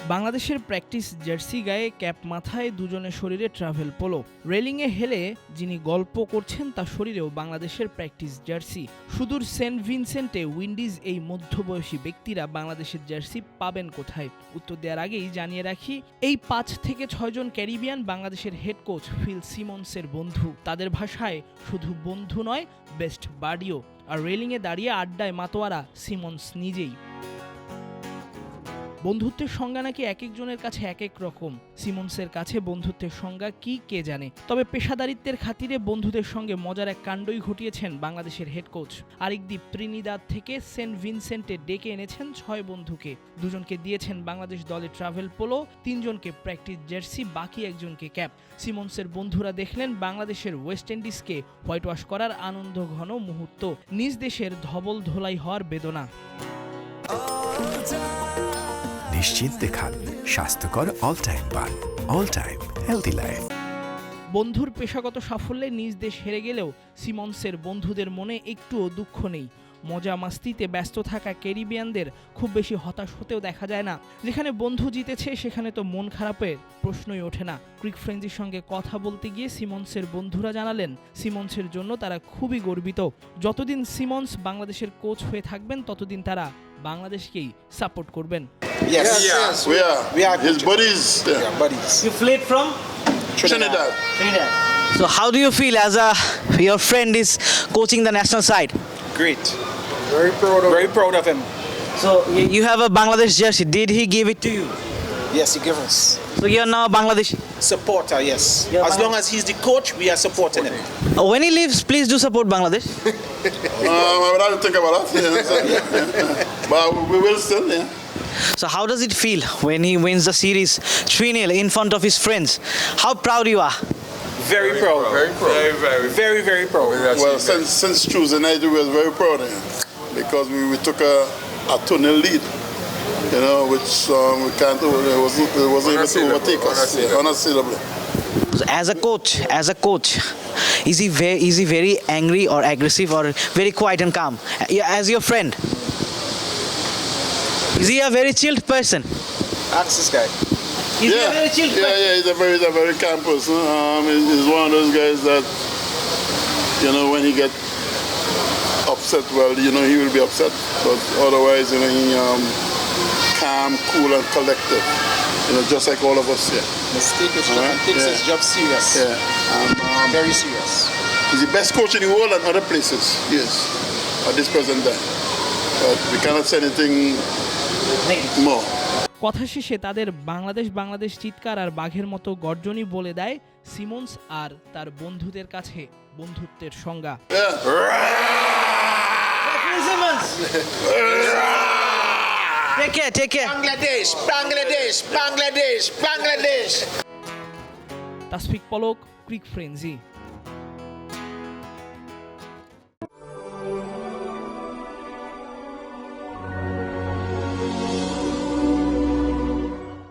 বাংলাদেশের practice jersey গায়ে cap মাথায় দুজনের শরীরে ট্রাভেল পোলো, রেলিংয়ে হেলে যিনি গল্প করছেন তার শরীরেও বাংলাদেশের প্র্যাকটিস জার্সি। সুদূর সেন্ট ভিনসেন্টে উইন্ডিজ এই মধ্যবয়সী ব্যক্তিরা বাংলাদেশের জার্সি পাবেন কোথায়? উত্তর দেওয়ার আগেই জানিয়ে রাখি, এই 5 থেকে 6 জন ক্যারিবিয়ান বাংলাদেশের হেড কোচ ফিল সিমন্সের বন্ধু। তাদের ভাষায় শুধু বন্ধু নয়, বেস্ট বাডিও। আর রেলিংয়ে দাঁড়িয়ে আড্ডায় মাতোয়ারা সিমন্স নিজেই। বন্ধুত্বের সংজ্ঞা নাকি এক একজনের কাছে এক এক রকম। সিমন্সের কাছে বন্ধুত্বের সংজ্ঞা কি কে জানে, তবে পেশাদারিত্বের খাতিরে বন্ধুদের সঙ্গে মজার এক কাণ্ডই ঘটিয়েছেন বাংলাদেশের হেড কোচ। আরেকদিক ত্রিনিদাদ থেকে সেন্ট ভিনসেন্টে ডেকে এনেছেন 6 বন্ধুকে। দুজনকে দিয়েছেন বাংলাদেশ দলের ট্রাভেল পোলো, 3 জনকে প্র্যাকটিস জার্সি, বাকি একজনকে ক্যাপ। সিমন্সের বন্ধুরা দেখলেন বাংলাদেশের ওয়েস্ট ইন্ডিজকে হোয়াইট ওয়াশ করার আনন্দ ঘন মুহূর্ত, নিজ দেশের ধবল ধোলাই হওয়ার বেদনা। নিশ্চিন্তে খান স্বাস্থ্যকর অল টাইম পান, অল টাইম হেলদি লাইফ। বন্ধুর পেশাগত সাফল্যে নিজ দেশ হেরে গেলেও সিমন্সের বন্ধুদের মনে একটুও দুঃখ নেই। মজা মাস্তিতে ব্যস্ত থাকা ক্যারিবিয়ানদের খুব বেশি হতাশ হতেও দেখা যায় না। যেখানে বন্ধু জিতেছে সেখানে তো মন খারাপের প্রশ্নই ওঠে না। ক্রিক ফ্রেঞ্জির সঙ্গে কথা বলতে গিয়ে সিমন্সের বন্ধুরা জানালেন, সিমন্সের জন্য তারা খুবই গর্বিত। যতদিন সিমন্স বাংলাদেশের কোচ হয়ে থাকবেন ততদিন তারা বাংলাদেশকেই সাপোর্ট করবেন। Yes, we are His buddies. buddies. You fled from Trinidad. Trinidad. So how do you feel as your friend is coaching the national side? Great. Very proud of him. So you have a Bangladesh jersey. Did he give it to you? Yes, he gives us So you are now Bangladeshi. supporter. Yes, Yeah, as long as he's the coach, we are supporting him. When he leaves, please do support Bangladesh. I would have to think about that. But we will still, yeah. So how does it feel when he wins the series 3-0 in front of his friends? How proud you are? Very proud. Very proud. Well, since Tuesday night, we were very proud of him because we took a 2-0 lead, you know, which we can't, it wasn't able to overtake us, unassailably. So as a coach, is he very angry or aggressive or very quiet and calm? As your friend, is he a very chilled person? Ask this guy. Is he a very chilled person? Yeah, he's a very calm person. He's one of those guys that, you know, when he gets upset, well, you know, he will be upset, but otherwise, you know, he calm, cool, and collected. You know, just like all of us here. Mistake his job and takes his job serious. Yeah. Very serious. He's the best coach in the world and other places, yes, at this present time. But we cannot say anything more. কথা শেষে তাদের বাংলাদেশ চিৎকার আর বাঘের মতো গর্জনই বলে দেয় Simmons আর তার বন্ধুদের কাছে বন্ধুত্বের সংজ্ঞা। Take care. Bangladesh. Tasfiq Polok, cric frenzy.